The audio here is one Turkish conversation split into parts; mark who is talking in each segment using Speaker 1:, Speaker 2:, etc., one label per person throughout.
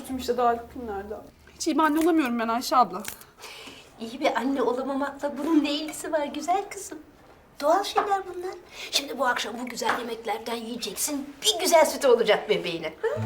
Speaker 1: sütüm işte daha ilk günlerde. Hiç iyi bir anne olamıyorum ben Ayşe abla.
Speaker 2: İyi bir anne olamamakla bunun ne ilgisi var güzel kızım? Doğal şeyler bunlar. Şimdi bu akşam bu güzel yemeklerden yiyeceksin. Bir güzel sütü olacak bebeğine. Ha?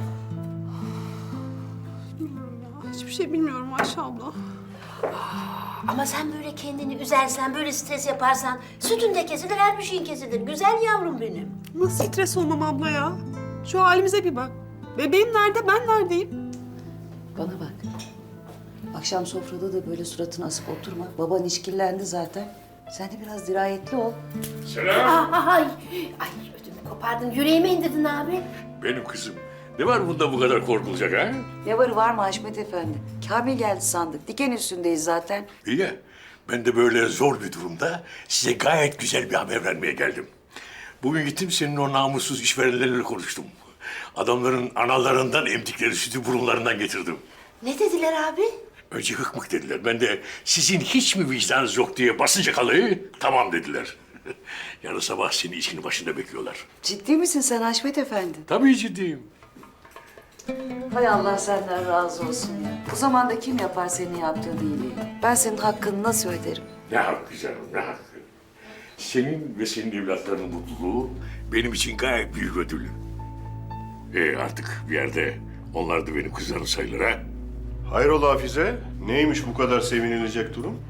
Speaker 1: Bilmiyorum ya. Hiçbir şey bilmiyorum Ayşe abla.
Speaker 2: Ama sen böyle kendini üzersen, böyle stres yaparsan sütün de kesilir, her bir şeyin kesilir. Güzel yavrum benim.
Speaker 1: Nasıl stres olmam abla ya? Şu halimize bir bak. Bebeğim nerede, ben neredeyim?
Speaker 3: Bana bak. Akşam sofrada da böyle suratını asıp oturma. Baban işkillendi zaten. Sen de biraz dirayetli ol.
Speaker 4: Selam.
Speaker 2: Ay ödümü kopardın, yüreğime indirdin abi.
Speaker 4: Benim kızım. Ne var bunda bu kadar korkulacak ha?
Speaker 3: Ne var mı Haşmet Efendi? Kamil geldi sandık. Diken üstündeyiz zaten.
Speaker 4: İyi ya. Ben de böyle zor bir durumda size gayet güzel bir haber vermeye geldim. Bugün gittim senin o namussuz işverenlerle konuştum. Adamların analarından emdikleri sütü burunlarından getirdim.
Speaker 2: Ne dediler abi?
Speaker 4: Önce hıkmık dediler. Ben de sizin hiç mi vicdanınız yok diye basınca kalayı tamam dediler. Yarın sabah seni işinin başında bekliyorlar.
Speaker 3: Ciddi misin sen Haşmet Efendi?
Speaker 4: Tabii ciddiyim.
Speaker 3: Hay Allah senden razı olsun ya. Bu zamanda kim yapar senin yaptığın iyiliği? Ben senin hakkını nasıl öderim?
Speaker 4: Ne hakkı canım, ne hakkı. Senin ve senin evlatlarının mutluluğu benim için gayet büyük ödül. Artık bir yerde onlar da benim kızlarım sayılır ha.
Speaker 5: Hayrola Hafize? Neymiş bu kadar sevinilecek durum?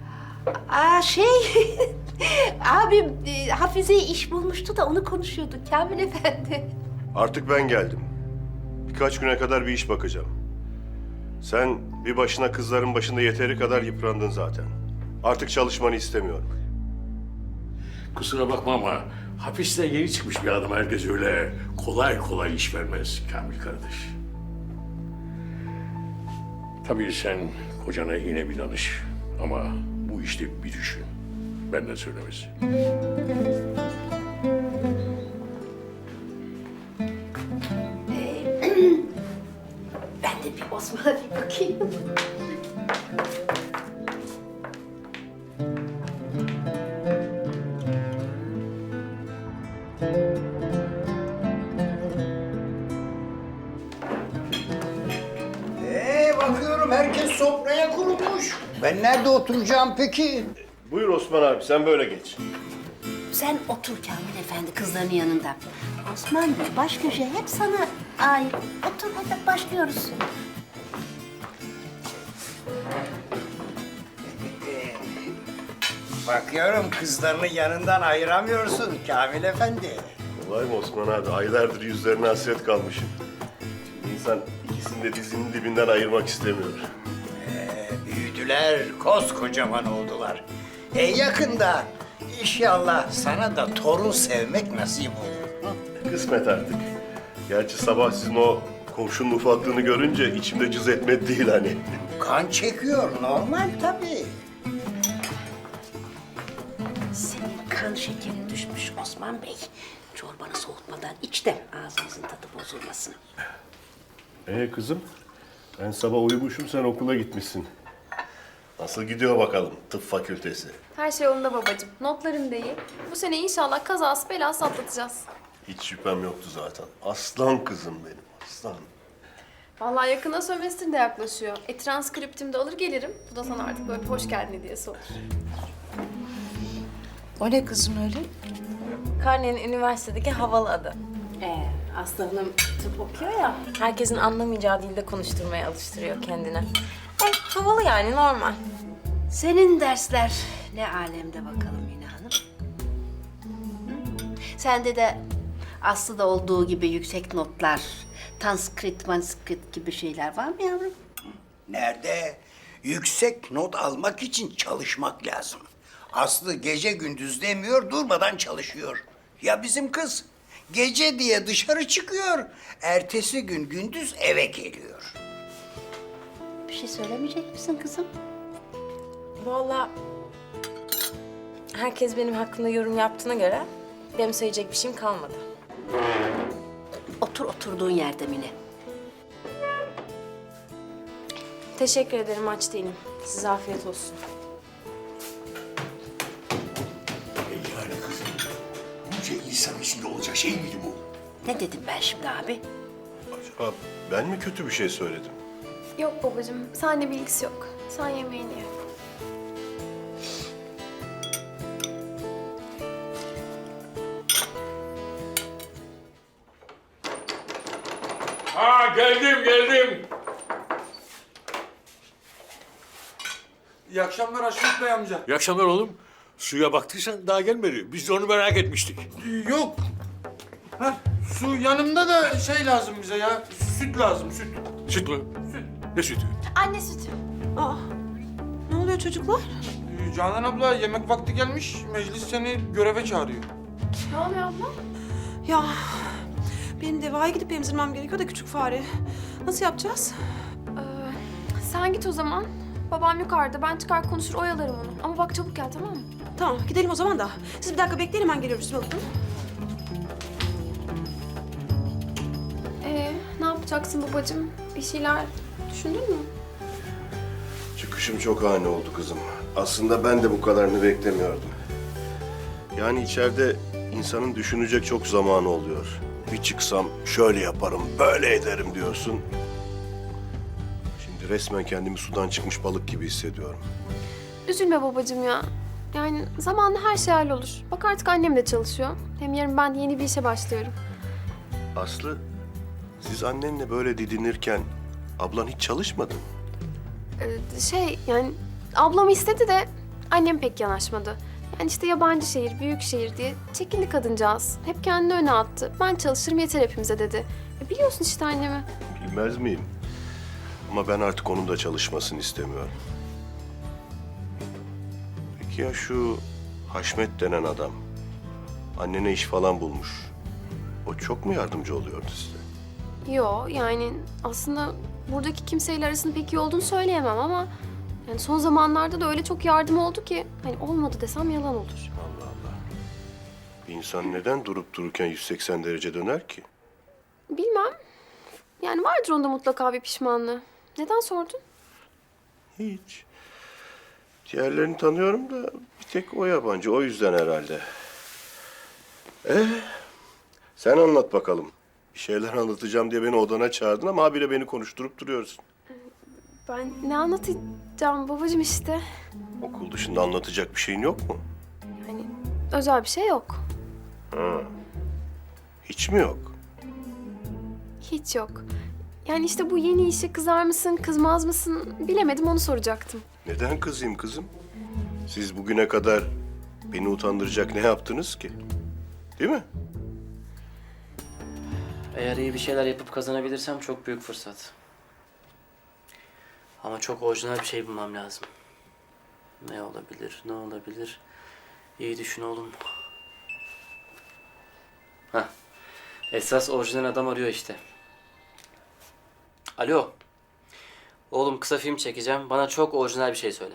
Speaker 2: Abim Hafize iş bulmuştu da onu konuşuyorduk Kamil Efendi.
Speaker 5: Artık ben geldim. Birkaç güne kadar bir iş bakacağım. Sen bir başına kızların başında yeteri kadar yıprandın zaten. Artık çalışmanı istemiyorum.
Speaker 4: Kusura bakma ama hapisten yeni çıkmış bir adam herkes öyle kolay kolay iş vermez Kamil kardeş. Tabii sen kocana yine bir danış ama bu işte bir düşün. Benden söylemesi.
Speaker 2: Ben de bir Osman'a bir bakayım.
Speaker 6: Bakıyorum herkes sofraya kurulmuş. Ben nerede oturacağım peki?
Speaker 5: Buyur Osman abi, sen böyle geç.
Speaker 2: Sen otur Kamil Efendi kızların yanında. Osman Bey baş köşe hep sana ait. Otur hadi başlıyoruz.
Speaker 6: Bakıyorum kızlarını yanından ayıramıyorsun Kamil Efendi.
Speaker 5: Kolay mı Osman abi? Aylardır yüzlerine hasret kalmışım. Şimdi insan ikisini de dizinin dibinden ayırmak istemiyor.
Speaker 6: Büyüdüler, koskocaman oldular. Yakında inşallah sana da torun sevmek nasip olur.
Speaker 5: Kısmet artık. Gerçi sabah sizin o komşunun ufaklığını görünce içimde cız etmedi değil hani.
Speaker 6: Kan çekiyor, normal tabii.
Speaker 2: Senin kan şekerin düşmüş Osman Bey. Çorbanı soğutmadan iç de ağzınızın tadı bozulmasın.
Speaker 5: Kızım, ben sabah uyumuşum, sen okula gitmişsin. Nasıl gidiyor bakalım tıp fakültesi?
Speaker 7: Her şey yolunda babacığım. Notlarım da iyi. Bu sene inşallah kazası belası atlatacağız.
Speaker 5: Hiç şüphem yoktu zaten. Aslan kızım benim, aslan.
Speaker 7: Vallahi yakında sömestr de yaklaşıyor. Transkriptimi de alır gelirim. Bu da sana artık böyle bir hoş geldin hediyesi olur.
Speaker 3: O ne kızım öyle?
Speaker 8: Karne'nin üniversitedeki havalı adı.
Speaker 2: Aslı Hanım tıp okuyor ya.
Speaker 8: Herkesin anlamayacağı dilde konuşturmaya alıştırıyor kendine. Havalı yani normal.
Speaker 2: Senin dersler ne alemde bakalım Mine Hanım. Sende de Aslı'da olduğu gibi yüksek notlar, manskrit gibi şeyler var mı yavrum?
Speaker 6: Nerede? Yüksek not almak için çalışmak lazım. Aslı gece gündüz demiyor, durmadan çalışıyor. Ya bizim kız? Gece diye dışarı çıkıyor, ertesi gün gündüz eve geliyor.
Speaker 2: Bir şey söylemeyecek misin kızım?
Speaker 8: Vallahi herkes benim hakkımda yorum yaptığına göre benim söyleyecek bir şeyim kalmadı.
Speaker 2: Otur oturduğun yerde Mine.
Speaker 8: Teşekkür ederim, aç değilim. Size afiyet olsun.
Speaker 4: Yani kızım, bunca insan içinde olacak şey miydi bu?
Speaker 2: Ne dedim ben şimdi abi?
Speaker 5: Acaba ben mi kötü bir şey söyledim?
Speaker 7: Yok babacığım, seninle bir ilgisi yok. Sen yemeğini ye.
Speaker 4: Ha geldim.
Speaker 9: İyi akşamlar Haşmet Bey amca.
Speaker 4: İyi akşamlar oğlum. Suya baktıysan daha gelmedi. Biz de onu merak etmiştik.
Speaker 9: Yok. Ha, su yanımda da şey lazım bize ya. Süt lazım, süt.
Speaker 4: Süt mü?
Speaker 9: Süt.
Speaker 4: Ne sütü?
Speaker 8: Anne sütü.
Speaker 1: Aa, ne oluyor çocuklar?
Speaker 9: Canan abla yemek vakti gelmiş. Meclis seni göreve çağırıyor.
Speaker 7: Ne oluyor abla?
Speaker 1: Ya benim Deva'ya gidip emzirmem gerekiyor da küçük fare. Nasıl yapacağız?
Speaker 7: Sen git o zaman. Babam yukarıda. Ben çıkar konuşur oyalarım onu. Ama bak çabuk gel, tamam mı?
Speaker 1: Tamam gidelim o zaman da. Siz bir dakika bekleyin, hemen geliyorum üstüme bakın.
Speaker 7: Ne yapacaksın babacığım? Bir şeyler düşündün mü?
Speaker 5: Çıkışım çok ani oldu kızım. Aslında ben de bu kadarını beklemiyordum. Yani içeride insanın düşünecek çok zamanı oluyor. Bir çıksam şöyle yaparım, böyle ederim diyorsun. Şimdi resmen kendimi sudan çıkmış balık gibi hissediyorum.
Speaker 7: Üzülme babacığım ya. Yani zamanla her şey hallolur. Bak artık annem de çalışıyor. Hem yarın ben yeni bir işe başlıyorum.
Speaker 5: Aslı, siz annenle böyle didinirken ablan hiç çalışmadı mı?
Speaker 7: Yani ablam istedi de annem pek yanaşmadı. Yani işte yabancı şehir, büyük şehir diye çekindi kadıncağız. Hep kendini öne attı. Ben çalışırım yeter hepimize dedi. Biliyorsun işte annemi.
Speaker 5: Bilmez miyim? Ama ben artık onun da çalışmasını istemiyorum. Peki ya şu Haşmet denen adam? Annene iş falan bulmuş. O çok mu yardımcı oluyordu size?
Speaker 7: Yo, yani aslında buradaki kimseyle arasının pek iyi olduğunu söyleyemem ama yani son zamanlarda da öyle çok yardım oldu ki hani olmadı desem yalan olur.
Speaker 5: Allah Allah. Bir insan neden durup dururken 180 derece döner ki?
Speaker 7: Bilmem. Yani vardır onda mutlaka bir pişmanlığı. Neden sordun?
Speaker 5: Hiç. Diğerlerini tanıyorum da bir tek o yabancı. O yüzden herhalde. Sen anlat bakalım. Bir şeyler anlatacağım diye beni odana çağırdın ama habire beni konuşturup duruyorsun.
Speaker 7: Ben ne anlatacağım babacığım işte.
Speaker 5: Okul dışında anlatacak bir şeyin yok mu?
Speaker 7: Yani özel bir şey yok.
Speaker 5: Hiç mi yok?
Speaker 7: Hiç yok. Yani işte bu yeni işe kızar mısın, kızmaz mısın bilemedim, onu soracaktım.
Speaker 5: Neden kızayım kızım? Siz bugüne kadar beni utandıracak ne yaptınız ki? Değil mi?
Speaker 10: Eğer iyi bir şeyler yapıp kazanabilirsem çok büyük fırsat. Ama çok orijinal bir şey bulmam lazım. Ne olabilir, ne olabilir? İyi düşün oğlum. Hah. Esas orijinal adam arıyor işte. Alo. Oğlum kısa film çekeceğim. Bana çok orijinal bir şey söyle.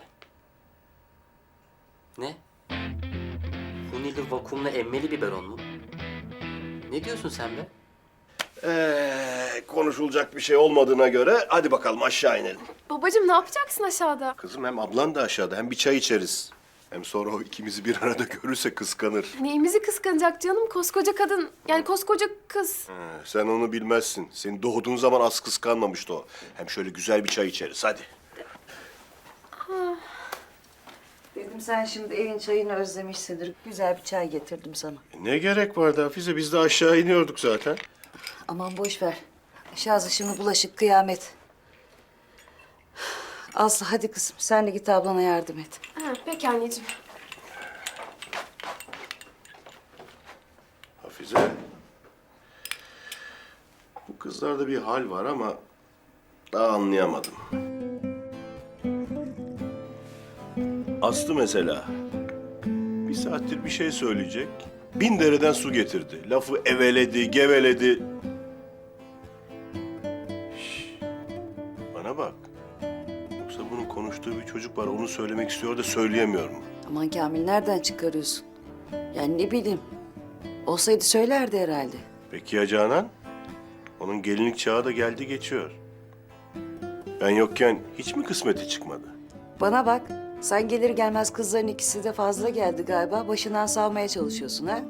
Speaker 10: Ne? Hunili vakumlu emmeli biberon mu? Ne diyorsun sen be?
Speaker 5: Konuşulacak bir şey olmadığına göre hadi bakalım aşağı inelim.
Speaker 7: Babacığım ne yapacaksın aşağıda?
Speaker 5: Kızım hem ablan da aşağıda hem bir çay içeriz. Hem sonra o ikimizi bir arada görürse kıskanır.
Speaker 7: Neyimizi kıskanacak canım? Koskoca kadın. Yani koskoca kız.
Speaker 5: Sen onu bilmezsin. Senin doğduğun zaman az kıskanmamıştı o. Hem şöyle güzel bir çay içeriz hadi.
Speaker 3: Dedim sen şimdi evin çayını özlemişsindir. Güzel bir çay getirdim sana.
Speaker 5: Ne gerek vardı Hafize? Biz de aşağı iniyorduk zaten.
Speaker 3: Aman boş ver. Aşağısı şimdi bulaşık kıyamet. Aslı hadi kızım sen de git ablana yardım et.
Speaker 7: Ha, peki anneciğim.
Speaker 5: Hafize. Bu kızlarda bir hal var ama daha anlayamadım. Aslı mesela bir saattir bir şey söyleyecek. 1000 dereden su getirdi. Lafı eveledi, geveledi. Şş, bana bak. Yoksa bunun konuştuğu bir çocuk var. Onu söylemek istiyor da söyleyemiyor mu?
Speaker 3: Aman Kamil nereden çıkarıyorsun? Yani ne bileyim. Olsaydı söylerdi herhalde.
Speaker 5: Peki ya Canan? Onun gelinlik çağı da geldi geçiyor. Ben yokken hiç mi kısmeti çıkmadı?
Speaker 3: Bana bak. Sen gelir gelmez kızların ikisi de fazla geldi galiba. Başından savmaya çalışıyorsun ha?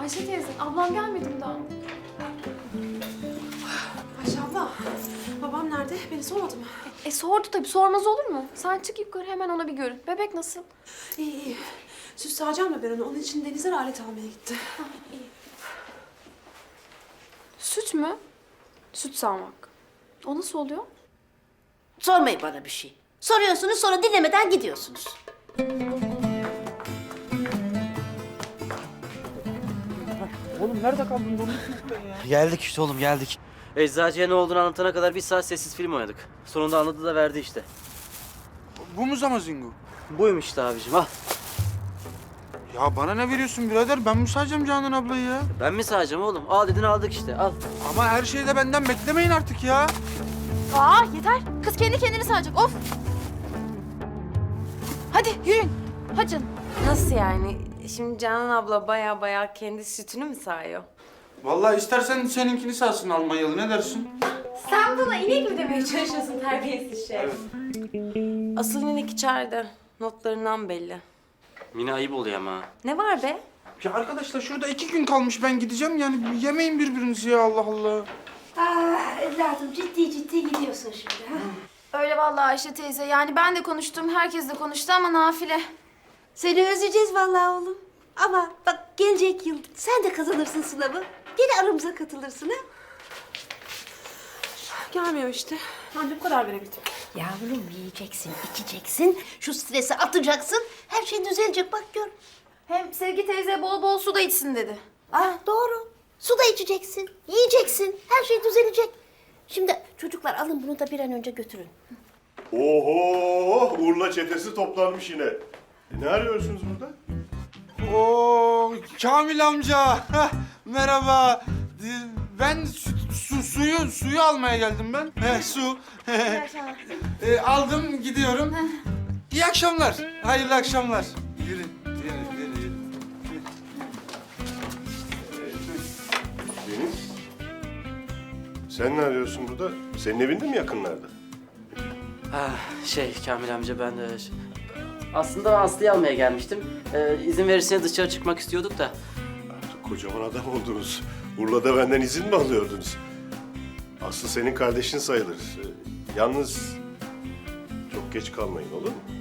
Speaker 7: Ayşe teyze, ablam gelmedi mi daha?
Speaker 1: Ayşe abla, babam nerede? Beni sormadı mı?
Speaker 7: Sordu tabii, sormaz olur mu? Sen çık yukarı, hemen ona bir görün. Bebek nasıl?
Speaker 1: İyi iyi. Süt sağacağım da ben onu. Onun için Deniz'e alet almaya gitti.
Speaker 7: Süt mü? Süt sağmak. O nasıl oluyor?
Speaker 2: Sormayın bana bir şey. Soruyorsunuz sonra dinlemeden gidiyorsunuz.
Speaker 10: Geldik işte oğlum geldik. Eczacıya ne olduğunu anlatana kadar bir saat sessiz film oynadık. Sonunda anladı da verdi işte.
Speaker 9: Bu mu Zamazingo?
Speaker 10: Buymuş işte abicim al.
Speaker 9: Ya bana ne veriyorsun birader? Ben mi sayacağım Canan ablayı ya?
Speaker 10: Ben mi sağacağım oğlum? Al dedin aldık işte al.
Speaker 9: Ama her şeyi de benden beklemeyin artık ya.
Speaker 7: Aa yeter. Kız kendi kendini sağacak. Of. Hadi yürüyün. Hadi canım.
Speaker 8: Nasıl yani? Şimdi Canan abla baya kendi sütünü mü sağıyor?
Speaker 9: Vallahi istersen seninkini sağsın Almanyalı, ne dersin?
Speaker 8: Sen bana inek mi demeye çalışıyorsun terbiyesiz şey? Asıl inek içeride. Notlarından belli.
Speaker 10: Mine ayıp oluyor ama.
Speaker 8: Ne var be?
Speaker 9: Ya arkadaşlar şurada 2 gün kalmış, ben gideceğim yani yemeyin birbirinizi ya, Allah Allah.
Speaker 2: Evladım ciddi gidiyorsun şimdi ha?
Speaker 7: Öyle vallahi Ayşe teyze. Yani ben de konuştum, herkes de konuştu ama nafile.
Speaker 2: Seni özleyeceğiz vallahi oğlum. Ama bak gelecek yıl sen de kazanırsın sınavı. Gene aramıza katılırsın ha?
Speaker 1: Gelmiyor işte. Anca bu kadar verebildim.
Speaker 2: Yavrum yiyeceksin, içeceksin. Şu stresi atacaksın. Her şey düzelecek bak gör.
Speaker 7: Hem Sevgi teyze bol bol su da içsin dedi.
Speaker 2: Doğru. Su da içeceksin, yiyeceksin. Her şey düzelecek. Şimdi çocuklar alın bunu da bir an önce götürün.
Speaker 5: Oho! Urla çetesi toplanmış yine. Ne arıyorsunuz burada?
Speaker 9: Oo Kamil amca. Heh, merhaba. Ben suyu almaya geldim ben. Su. Aldım gidiyorum. İyi akşamlar. Hayırlı akşamlar. Yürü.
Speaker 5: Deniz. Sen ne arıyorsun burada? Senin evinde mi yakınlarda?
Speaker 10: Kamil amca ben de... Aslında ben Aslı'yı almaya gelmiştim. İzin verirseniz dışarı çıkmak istiyorduk da.
Speaker 5: Artık kocaman adam oldunuz. Urla'da benden izin mi alıyordunuz? Aslı senin kardeşin sayılır. Yalnız çok geç kalmayın olur mu?